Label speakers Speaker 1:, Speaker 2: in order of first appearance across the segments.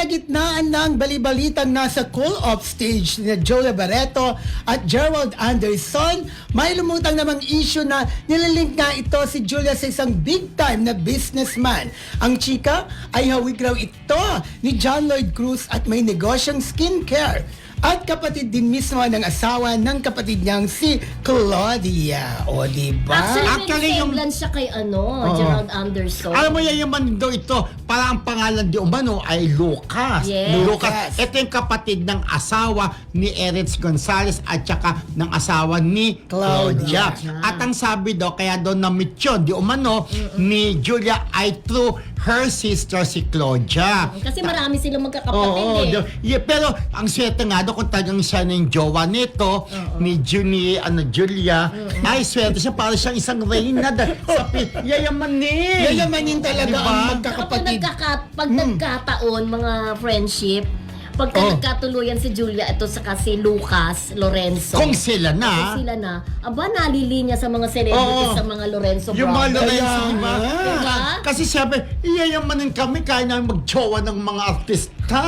Speaker 1: kalagitnaan ng balibalitang nasa cool-off stage ni Julia Barreto at Gerald Anderson, may lumutang namang issue na nilalink nga ito si Julia sa isang big-time na businessman. Ang chika ay hawig raw ito ni John Lloyd Cruz at may negosyong skincare. At kapatid din mismo ng asawa ng kapatid niyang si Claudia. O, diba?
Speaker 2: Actually, yung siya kay Gerald Anderson.
Speaker 3: Alam mo yan, yung man daw ito, para ang pangalan di umano ay Lucas.
Speaker 2: Yes.
Speaker 3: Lucas. Ito yung kapatid ng asawa ni Erich Gonzalez at saka ng asawa ni Claudia. At ang sabi daw, kaya daw na-meet yun, di umano, ni Julia ay through her sister si Claudia.
Speaker 2: Kasi marami silang magkakapatid
Speaker 3: Pero ang swerte nga daw kung talagang siya na yung jowa nito, ni Julia, ay swerte siya para siyang isang reyna. Yayamanin.
Speaker 1: Yayamanin talaga
Speaker 3: Diba?
Speaker 1: ang magkakapatid.
Speaker 2: Pag nagkataon, mga friendship, pagka nagkatuluyan si Julia, ito saka si Lucas Lorenzo.
Speaker 3: Kung sila na.
Speaker 2: Kung sila na, nalilinya sa mga celebrities, sa mga Lorenzo
Speaker 3: Yung mga
Speaker 2: brothers.
Speaker 3: Lorenzo,
Speaker 1: Kaya
Speaker 3: diba?
Speaker 2: Diba?
Speaker 3: Kasi siyempre, iyayamanin kami kaya namin mag-jowa ng mga artista.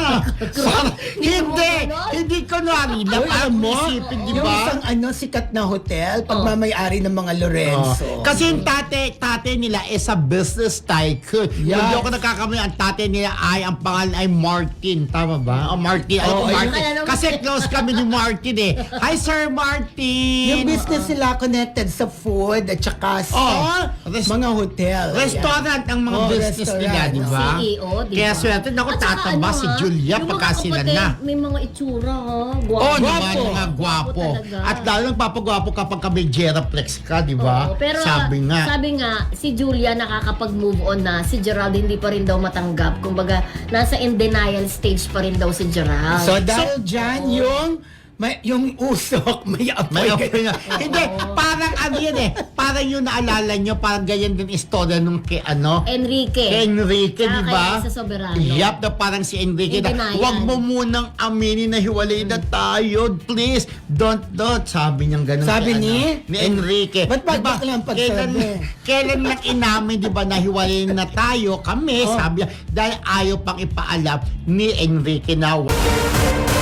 Speaker 3: Hindi ko narila.
Speaker 1: Uy,
Speaker 3: Parang
Speaker 1: alam mo,
Speaker 3: isipin, di
Speaker 1: yung
Speaker 3: ba?
Speaker 1: isang sikat na hotel, pagmamayari ng mga Lorenzo.
Speaker 3: Kasi yung tate nila is a business tycoon.
Speaker 1: Yes.
Speaker 3: Hindi ako nagkakamali, ang tate nila ay, ang pangalan ay Martin. Tama ba? Martin. Alam ko Martin. Kasi close kami ni Martin eh. Hi, Sir Martin!
Speaker 1: Yung business nila connected sa food at saka sa mga hotel.
Speaker 3: Restaurant ang mga business nila, di ba?
Speaker 2: CEO, di ba?
Speaker 3: Kaya swerte na ako
Speaker 2: At saka
Speaker 3: tataba si Julia
Speaker 2: yung
Speaker 3: pagka
Speaker 2: mga
Speaker 3: sila
Speaker 2: kapatid,
Speaker 3: na.
Speaker 2: may mga itsura, ha?
Speaker 3: Oo,
Speaker 2: Gwapo.
Speaker 3: naman, mga gwapo.
Speaker 2: talaga.
Speaker 3: At lalo nagpapagwapo kapag ka may Geraplex ka, di ba?
Speaker 2: Oo, pero
Speaker 3: Sabi nga.
Speaker 2: si Julia nakakapag-move on na. Si Gerald hindi pa rin daw matanggap. Kumbaga, nasa in denial stage pa rin daw si Gerald.
Speaker 1: So dahil dyan, yung usok, may apoy.
Speaker 3: May open na. Hindi, parang ano yan eh. Parang yung naalala nyo, parang ganyan din istorya nung kay
Speaker 2: Enrique.
Speaker 3: Kay Enrique,
Speaker 2: Tsaka
Speaker 3: di ba?
Speaker 2: kay sa Soberano.
Speaker 3: Yup, na parang si Enrique
Speaker 2: In
Speaker 3: na,
Speaker 2: denial.
Speaker 3: huwag mo munang aminin na hiwalay na tayo. Please, don't. Sabi niyang ganun.
Speaker 1: Sabi
Speaker 3: kay,
Speaker 1: ni
Speaker 3: Enrique.
Speaker 1: Ba't
Speaker 3: Diba,
Speaker 1: lang pagsabi?
Speaker 3: kailan lang inamin, di ba, na hiwalay na tayo kami, sabi niya, dahil ayaw pang ipaalam ni Enrique na